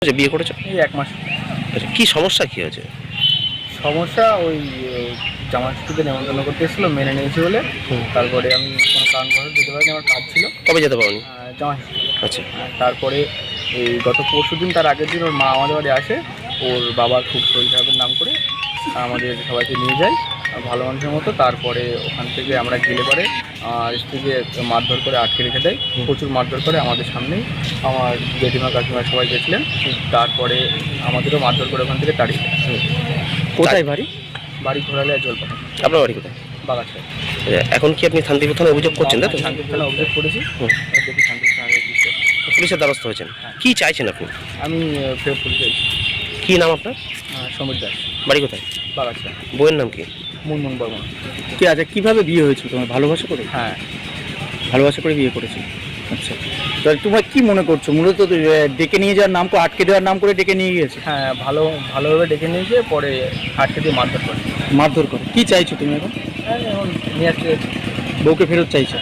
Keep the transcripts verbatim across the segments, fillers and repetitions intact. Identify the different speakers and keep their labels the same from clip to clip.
Speaker 1: আচ্ছা, বিয়ে করেছো?
Speaker 2: এই এক মাস।
Speaker 1: আচ্ছা, কি সমস্যা কি হয়েছে?
Speaker 2: সমস্যা ওই জামাইষষ্ঠীতে নেমন্তন্ন করতে এসেছিলো, মেনে নিয়েছি বলে।
Speaker 1: হুম।
Speaker 2: তারপরে আমি কোনো কারণবশত যেতে পারিনি, আমার কাজ ছিল।
Speaker 1: কবে যেতে পারোনি?
Speaker 2: আহ, জামাইষষ্ঠী।
Speaker 1: আচ্ছা।
Speaker 2: আর তারপরে এই গত পরশু দিন, তার আগের দিন ওর মা আমাদের বাড়ি আসে। ওর বাবার খুব শরীর খারাপের নাম করে আমাদের সবাইকে নিয়ে যায় ভালো মানুষের মতো। তারপরে ওখান থেকে আমরা গেলে পরে আর স্ত্রীকে মারধর করে আটকে রেখে দেয়, প্রচুর মারধর করে আমাদের সামনেই। আমার জেঠিমা কাকিমা সবাই গেছিলেন। তারপরে আমাদেরও মারধর করে ওখান থেকে তাড়িয়ে দেয়।
Speaker 1: কোথায় বাড়ি?
Speaker 2: বাড়ি ঘোরালে আর জলপাই
Speaker 1: আপনার বাড়ি কোথায়?
Speaker 2: বাগাছড়া।
Speaker 1: আচ্ছা, এখন কি আপনি শান্তিপুর থানায় অভিযোগ করছেন, তাই তো?
Speaker 2: শান্তিপুর থানায় অভিযোগ করেছি।
Speaker 1: হুম।
Speaker 2: এবার দেখি শান্তিপুর থানায় রেজিস্টার।
Speaker 1: পুলিশের দ্বারস্থ হয়েছেন?
Speaker 2: হ্যাঁ।
Speaker 1: কি চাইছেন আপনি?
Speaker 2: আমি আহ, ফেরত পুলিশে
Speaker 1: কি নাম আপনার?
Speaker 2: সমীর দাস,
Speaker 1: বাড়ি কোথায়?
Speaker 2: বাগাছড়া।
Speaker 1: বইয়ের নাম কি?
Speaker 2: মুনমুন বর্মন।
Speaker 3: কি আছে, কিভাবে বিয়ে হয়েছিল তোমার? ভালোবাসা করে?
Speaker 2: হ্যাঁ।
Speaker 3: ভালোবাসা করে বিয়ে করেছো? আচ্ছা, তাহলে তোমরা কি মনে করছো? মূলত তো, এ, ডেকে নিয়ে যাওয়ার নাম করে, আটকে দেওয়ার নাম করে ডেকে নিয়ে গিয়েছে,
Speaker 2: হ্যাঁ, ভালো ভালোভাবে ডেকে নিয়ে গিয়ে পরে আটকে দিয়ে মারধর করে।
Speaker 3: মারধর করে। কি চাইছো তুমি এখন?
Speaker 2: হ্যাঁ, এখন নিয়ে আসতে যাচ্ছি।
Speaker 3: বউকে ফেরত চাইছো?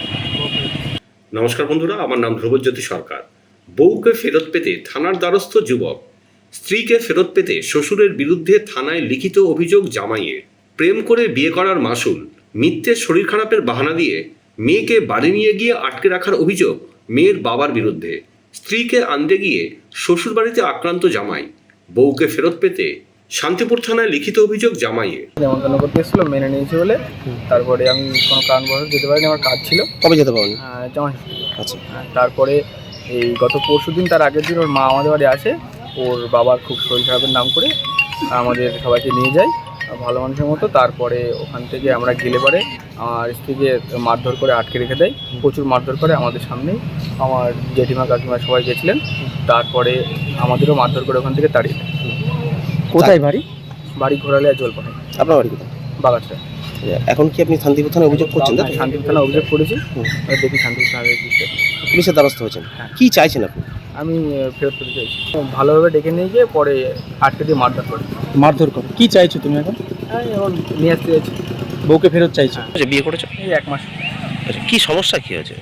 Speaker 4: নমস্কার বন্ধুরা, আমার নাম ধ্রুবজ্যোতি সরকার। বউকে ফেরত পেতে থানার দ্বারস্থ যুবক, স্ত্রীকে ফেরত পেতে শ্বশুরের বিরুদ্ধে থানায় লিখিত অভিযোগ জামাইয়ের। প্রেম করে বিয়ে করার মাসুল, মিথ্যে শরীর খারাপের বাহানা দিয়ে মেয়েকে বাড়ি নিয়ে গিয়ে আটকে রাখার অভিযোগ মেয়ের বাবার বিরুদ্ধে। স্ত্রীকে আনতে গিয়ে শ্বশুর বাড়িতে আক্রান্ত জামাই, বউকে ফেরত পেতে শান্তিপুর থানায় লিখিত অভিযোগ জামাইয়ের।
Speaker 2: নেমন্তন্ন করতে এসেছিলো, মেনে নিয়েছি বলে। তারপরে আমি কোনো কারণবশত যেতে পারিনি, আমার কাজ ছিল।
Speaker 1: কবে যেতে পারোনি?
Speaker 2: আহ, জামাইষষ্ঠী।
Speaker 1: আচ্ছা।
Speaker 2: আর তারপরে এই গত পরশু দিন, তার আগের দিন ওর মা আমাদের বাড়ি আসে। ওর বাবার খুব শরীর খারাপের নাম করে আমাদের সবাইকে নিয়ে যায় ভালো মানুষের মতো। তারপরে ওখান থেকে আমরা গেলে পরে আমার স্ত্রীকে মারধর করে আটকে রেখে দেয়, প্রচুর মারধর করে আমাদের সামনেই। আমার জেঠিমা কাকিমা সবাই গেছিলেন। তারপরে আমাদেরও মারধর করে ওখান থেকে তাড়িয়ে দেয়।
Speaker 3: কোথায় বাড়ি?
Speaker 2: বাড়ি ঘোরালে আর জলপাই
Speaker 1: আপনার বাড়ি কোথায়?
Speaker 2: বাগাছড়া।
Speaker 1: আচ্ছা, এখন কি আপনি শান্তিপুর থানায় অভিযোগ করছেন, তাই তো?
Speaker 2: শান্তিপুর থানায় অভিযোগ করেছি।
Speaker 1: হুম।
Speaker 2: এবার দেখি শান্তিপুর থানায় রেজিস্টার।
Speaker 1: পুলিশের দ্বারস্থ হয়েছেন?
Speaker 2: হ্যাঁ।
Speaker 1: কি চাইছেন আপনি?
Speaker 2: আমি আহ, ফেরত পেতে চাইছি। ভালোভাবে ডেকে নিয়ে গিয়ে পরে আটকে দিয়ে মারধর করে।
Speaker 3: মারধর করে। কি চাইছো তুমি এখন?
Speaker 2: হ্যাঁ, এখন নিয়ে আসতে যাচ্ছি।
Speaker 3: বউকে ফেরত চাইছো?
Speaker 1: আচ্ছা, বিয়ে করেছো?
Speaker 2: এই এক মাস।
Speaker 1: আচ্ছা, কি সমস্যা কি হয়েছে?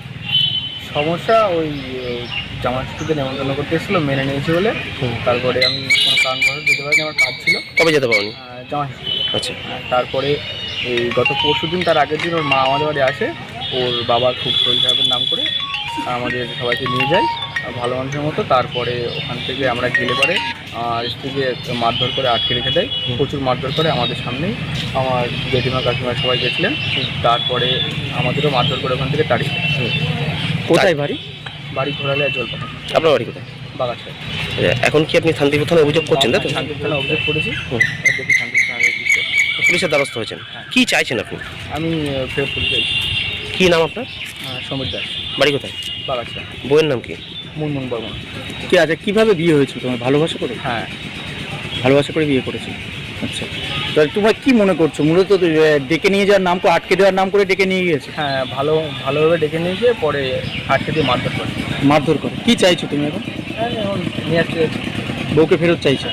Speaker 2: সমস্যা ওই জামাইষষ্ঠীতে নেমন্তন্ন করতে এসেছিলো, মেনে নিয়েছি বলে।
Speaker 1: হুম।
Speaker 2: তারপরে আমি কোনো কারণবশত যেতে পারিনি, আমার কাজ ছিল।
Speaker 1: কবে যেতে পারোনি?
Speaker 2: আহ, জামাইষষ্ঠী।
Speaker 1: আচ্ছা।
Speaker 2: আর তারপরে এই গত পরশু দিন, তার আগের দিন ওর মা আমাদের বাড়ি আসে। ওর বাবার খুব শরীর খারাপের নাম করে আমাদের সবাইকে নিয়ে যায় ভালো মানুষের মতো। তারপরে ওখান থেকে আমরা গেলে পরে আর স্ত্রীকে মারধর করে আটকে রেখে দেয়, প্রচুর মারধর করে আমাদের সামনেই। আমার জেঠিমা কাকিমা সবাই গেছিলেন। তারপরে আমাদেরও মারধর করে ওখান থেকে তাড়িয়ে দেয়।
Speaker 3: কোথায় বাড়ি?
Speaker 2: বাড়ি ঘোরালে আর জলপাই
Speaker 1: আপনার বাড়ি কোথায়?
Speaker 2: বাগাছড়া।
Speaker 1: আচ্ছা, এখন কি আপনি শান্তিপুর থানায় অভিযোগ করছেন, তাই তো?
Speaker 2: শান্তিপুর থানায় অভিযোগ করেছি।
Speaker 1: হুম।
Speaker 2: এবার দেখি শান্তিপুর থানায় রেজিস্টার।
Speaker 1: পুলিশের দ্বারস্থ হয়েছেন?
Speaker 2: হ্যাঁ।
Speaker 1: কি চাইছেন আপনি?
Speaker 2: আমি আহ, ফেরত পুলিশে
Speaker 1: কি নাম আপনার?
Speaker 2: সমীর দাস,
Speaker 1: বাড়ি কোথায়?
Speaker 2: বাগাছড়া।
Speaker 1: বইয়ের নাম কি?
Speaker 2: মুনমুন বর্মন।
Speaker 3: কি আছে, কিভাবে বিয়ে হয়েছিল তোমার? ভালোবাসা করে?
Speaker 2: হ্যাঁ।
Speaker 3: ভালোবাসা করে বিয়ে করেছো? আচ্ছা, তাহলে তোমরা কি মনে করছো? মূলত তো, এ, ডেকে নিয়ে যাওয়ার নাম করে, আটকে দেওয়ার নাম করে ডেকে নিয়ে গিয়েছে,
Speaker 2: হ্যাঁ, ভালো ভালোভাবে ডেকে নিয়ে গিয়ে পরে আটকে দিয়ে মারধর করে।
Speaker 3: মারধর করে। কি চাইছো তুমি এখন?
Speaker 2: হ্যাঁ, এখন নিয়ে আসতে যাচ্ছি।
Speaker 3: বউকে ফেরত চাইছো?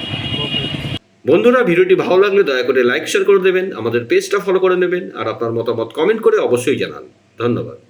Speaker 4: বন্ধুরা, ভিডিওটি ভালো লাগলে দয়া করে লাইক শেয়ার করে দেবেন, আমাদের পেজটা ফলো করে নেবেন, আর আপনার মতামত কমেন্ট করে অবশ্যই জানান। ধন্যবাদ।